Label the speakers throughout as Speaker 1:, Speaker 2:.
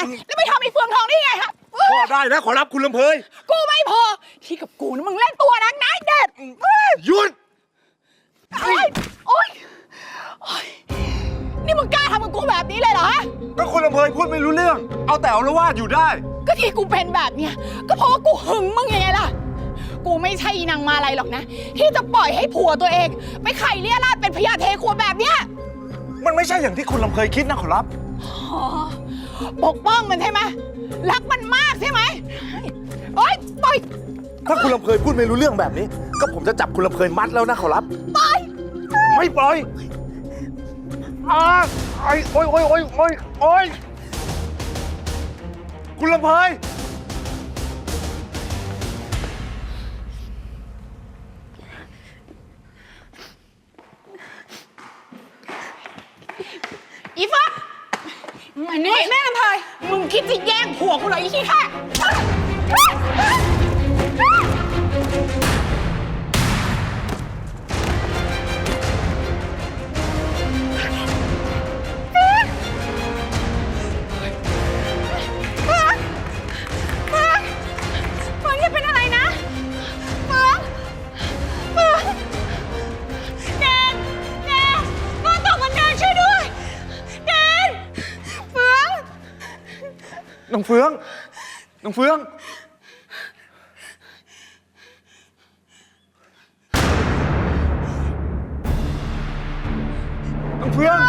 Speaker 1: แล้วไปทำไอ้เฟืองทองได้ไงฮะ
Speaker 2: พอได้นะขอรับคุณลำเพย
Speaker 1: กูไม่พอที่กับกูนะมึงเล่นตัวนักนะเด็ด
Speaker 2: หยุด
Speaker 1: โอ๊ยโอ๊ยนี่มึงกล้าทำกับกูแบบนี้เลยเหรอฮะ
Speaker 2: ก็คุณลำเพยพูดไม่รู้เรื่องเอาแต่เอาละวาดอยู่ได้
Speaker 1: ก็ที่กูเป็นแบบเนี้ยก็เพราะว่ากูหึงมึงยังไงล่ะกูไม่ใช่นางมาลัยหรอกนะที่จะปล่อยให้ผัวตัวเองไปไข่เลี่ยราดเป็นพญาเทขวดแบบเนี้ย
Speaker 2: มันไม่ใช่อย่างที่คุณลำเพยคิดนะขอรับ
Speaker 1: ปกป้องมันใช่ไหมรักมันมากใช่ไหมโอ๊ยปล่อย
Speaker 2: ถ้าคุณลำเพยพูดไม่รู้เรื่องแบบนี้ก็ผมจะจับคุณลำเพยมัดแล้วนะขอรับ
Speaker 1: ปล่อย
Speaker 2: ไม่ปล่อยโอ๊ยโอ๊ยโอ๊ยโอ๊ยโอ๊ยโอ๊ยคุณลำเพย
Speaker 1: อีฟ้ามานี่แม่ลำเพยมึงคิดจะแย่งผัวกูเหรออีขี้ข้า
Speaker 2: น้องเฟืองน้องเฟืองน้องเฟือง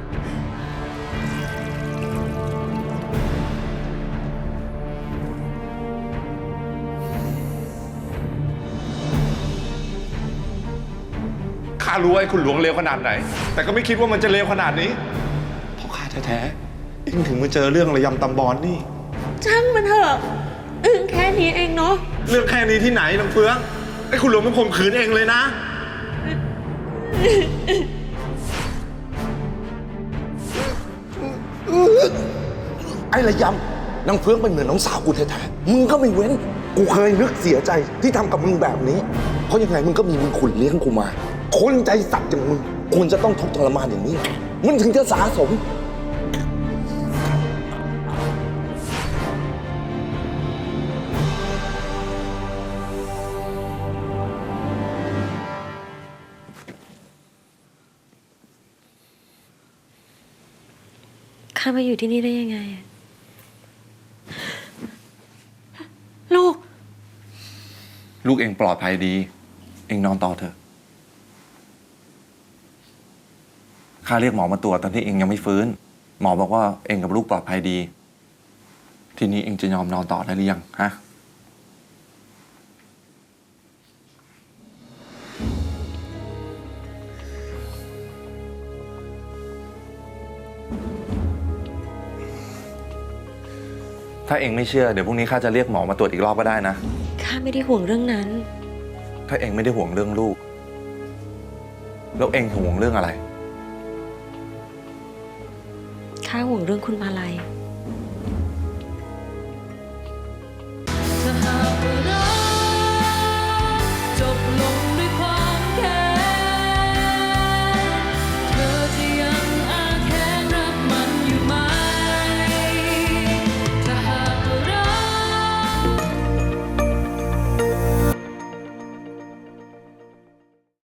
Speaker 3: ข้ารู้ว่าคุณหลวงเลวขนาดไหนแต่ก็ไม่คิดว่ามันจะเลวขนาดนี้เพราะข้าแท้ๆอิงถึงมาเจอเรื่องระยำตำบอนนี่
Speaker 4: ช่างมันเถอะแค่นี้เองเนาะ
Speaker 3: เรื่องแค่นี้ที่ไหนน้องเฟืองไอ้คุณหลวงมันข่มขืนเองเลยนะ
Speaker 2: ไอ้ระยำนางเฟืองเป็นเหมือนน้องสาวกูแท้ๆมึงก็ไม่เว้นกูเคยนึกเสียใจที่ทำกับมึงแบบนี้เพราะยังไงมึงก็มีมึงขุนเลี้ยงกูมาคนใจสัตว์อย่างมึงควรจะต้องทุกข์ทรมานอย่างนี้มันถึงจะสาสม
Speaker 4: ข้ามาอยู่ที่นี่ได้ยังไง
Speaker 3: ลูกเองปลอดภัยดีเองนอนต่อเถอะข้าเรียกหมอมาตรวจตอนที่เองยังไม่ฟื้นหมอบอกว่าเองกับลูกปลอดภัยดีทีนี้เองจะยอมนอนต่อได้หรือยังฮะถ้าเองไม่เชื่อเดี๋ยวพรุ่งนี้ข้าจะเรียกหมอมาตรวจอีกรอบก็ได้นะ
Speaker 4: ข้าไม่ได้ห่วงเรื่องนั้น
Speaker 3: ถ้าเองไม่ได้ห่วงเรื่องลูกแล้วเองห่วงเรื่องอะไร
Speaker 4: ข้าห่วงเรื่องคุณมาลัย